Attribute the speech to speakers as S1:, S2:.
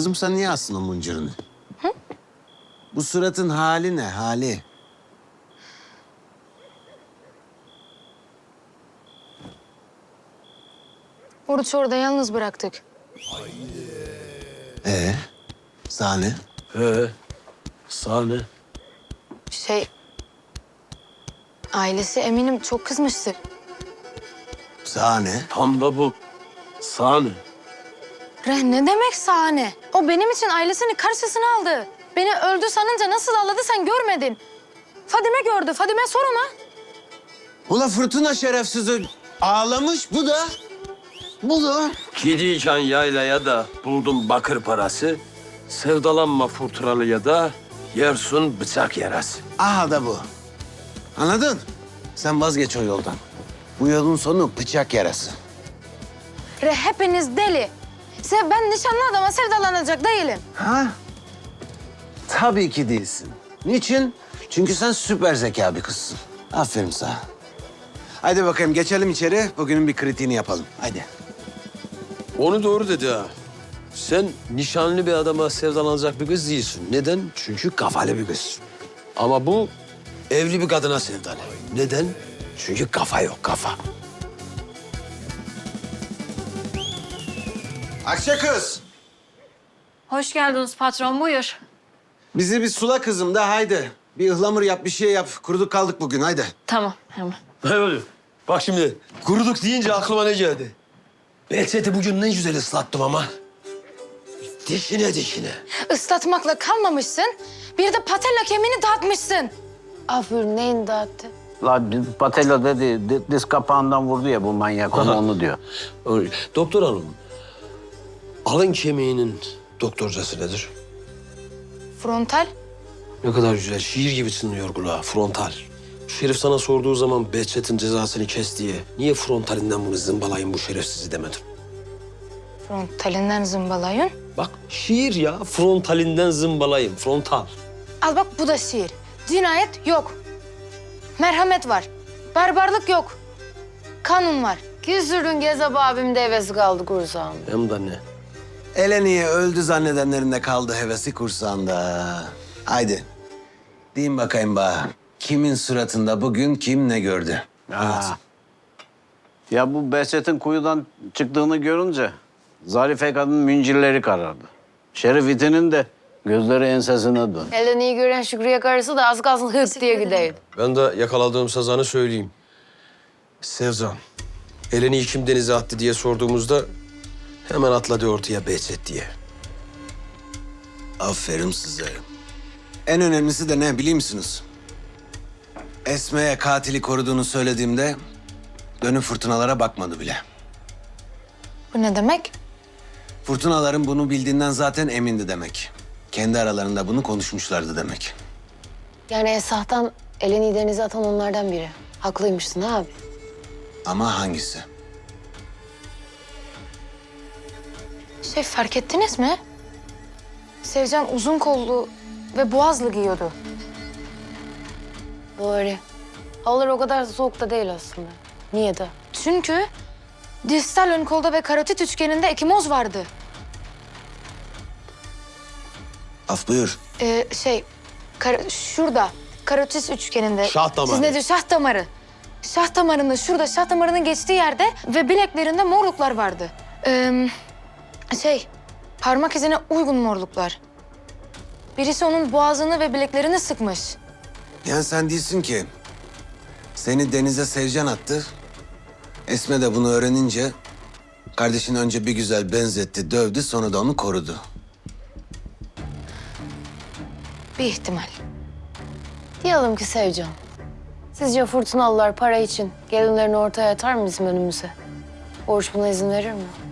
S1: Kızım sen niye astın o mıncırını? Hı? Bu suratın hali ne, hali?
S2: Oruç orada yalnız bıraktık.
S1: Sahne.
S3: Sahne.
S2: Ailesi eminim çok kızmıştır.
S1: Sahne.
S3: Tam da bu. Sahne.
S2: Ne demek sahne? O benim için ailesini karşısına aldı. Beni öldü sanınca nasıl ağladı sen görmedin. Fadime gördü. Fadime sor ona.
S1: Ula fırtına şerefsizi ağlamış bu da. Bu da.
S3: Gidiyken yaylaya da buldum bakır parası. Sevdalanma fırtınalıya da yersun bıçak yarası.
S1: Aha da bu. Anladın? Sen vazgeç o yoldan. Bu yolun sonu bıçak yarası.
S2: Hepiniz deli. Ben nişanlı adama sevdalanacak değilim.
S1: Ha? Tabii ki değilsin. Niçin? Çünkü sen süper zeka bir kızsın. Aferin sana. Haydi bakayım geçelim içeri. Bugünün bir kritiğini yapalım. Haydi.
S3: Onu doğru dedi ha. Sen nişanlı bir adama sevdalanacak bir kız değilsin. Neden? Çünkü kafalı bir kız. Ama bu evli bir kadına sevdalı. Neden? Çünkü kafa yok, kafa.
S1: Akça kız.
S4: Hoş geldiniz patron, buyur.
S1: Bizi bir sula kızım da haydi. Bir ıhlamur yap, bir şey yap. Kuruduk kaldık bugün haydi.
S4: Tamam, hemen.
S3: Ne oluyor? Bak şimdi kuruduk deyince aklıma ne geldi? Behçet'i bugün ne güzel ıslattım ama. Dişine dişine.
S2: Islatmakla kalmamışsın. Bir de patella kemiğini dağıtmışsın. Aferin neyini dağıttı?
S5: La Patella dedi, diz kapağından vurdu ya bu manyak, onu diyor.
S3: Doktor hanım, alın kemiğinin doktorcası nedir?
S2: Frontal.
S3: Ne kadar güzel, şiir gibi çınlıyor kulağa, frontal. Şerif sana sorduğu zaman Behçet'in cezasını kes diye niye frontalinden bunu zımbalayın bu şerefsizi demedin?
S2: Frontalinden zımbalayın.
S3: Bak şiir ya, frontalinden zımbalayın, frontal.
S2: Al bak bu da şiir. Cinayet yok. Merhamet var. Barbarlık yok. Kanun var.
S6: Küsürdün Gezap abim de hevesi kaldı kursağım.
S3: Hem de ne?
S1: Eleni'ye öldü zannedenlerin de kaldı hevesi kursağında. Haydi. Deyin bakayım bana. Kimin suratında bugün kim ne gördü?
S5: Ha. Ya bu Behçet'in kuyudan çıktığını görünce Zarife kadının müncirleri karardı. Şerif itinin de gözleri ensesine döndü.
S6: Elden iyi gören Şükrü'ye karısı da az kalsın hırt diye gideydi.
S3: Ben de yakaladığım sazanı söyleyeyim. Sevzan, Eleni kim denize attı diye sorduğumuzda hemen atladı ortaya Behçet diye.
S1: Aferin size. En önemlisi de ne biliyor musunuz? Esme'ye katili koruduğunu söylediğimde dönüp fırtınalara bakmadı bile.
S2: Bu ne demek?
S1: Fırtınaların bunu bildiğinden zaten emindi demek. Kendi aralarında bunu konuşmuşlardı demek.
S6: Yani Esah'tan Eleni denize atan onlardan biri. Haklıymışsın abi.
S1: Ama hangisi?
S2: Fark ettiniz mi? Sevcan uzun kollu ve boğazlı giyiyordu.
S6: Doğru. Havalar o kadar soğuk da değil aslında. Niye de?
S2: Çünkü distal ön kolda ve karotit üçgeninde ekimoz vardı.
S1: Af buyur.
S2: Şurada karotis üçgeninde.
S3: Şah damarı.
S2: Siz ne diyor? Şah damarı. Şah damarında şurada şah damarının geçtiği yerde ve bileklerinde morluklar vardı. Parmak izine uygun morluklar. Birisi onun boğazını ve bileklerini sıkmış.
S1: Yani sen değilsin ki. Seni denize Sevcan attı. Esme de bunu öğrenince kardeşini önce bir güzel benzetti, dövdü, sonra da onu korudu.
S2: Bir ihtimal.
S6: Diyelim ki Sevcan. Sizce fırtınalılar para için gelinlerini ortaya atar mı bizim önümüze? Oruç buna izin verir mi?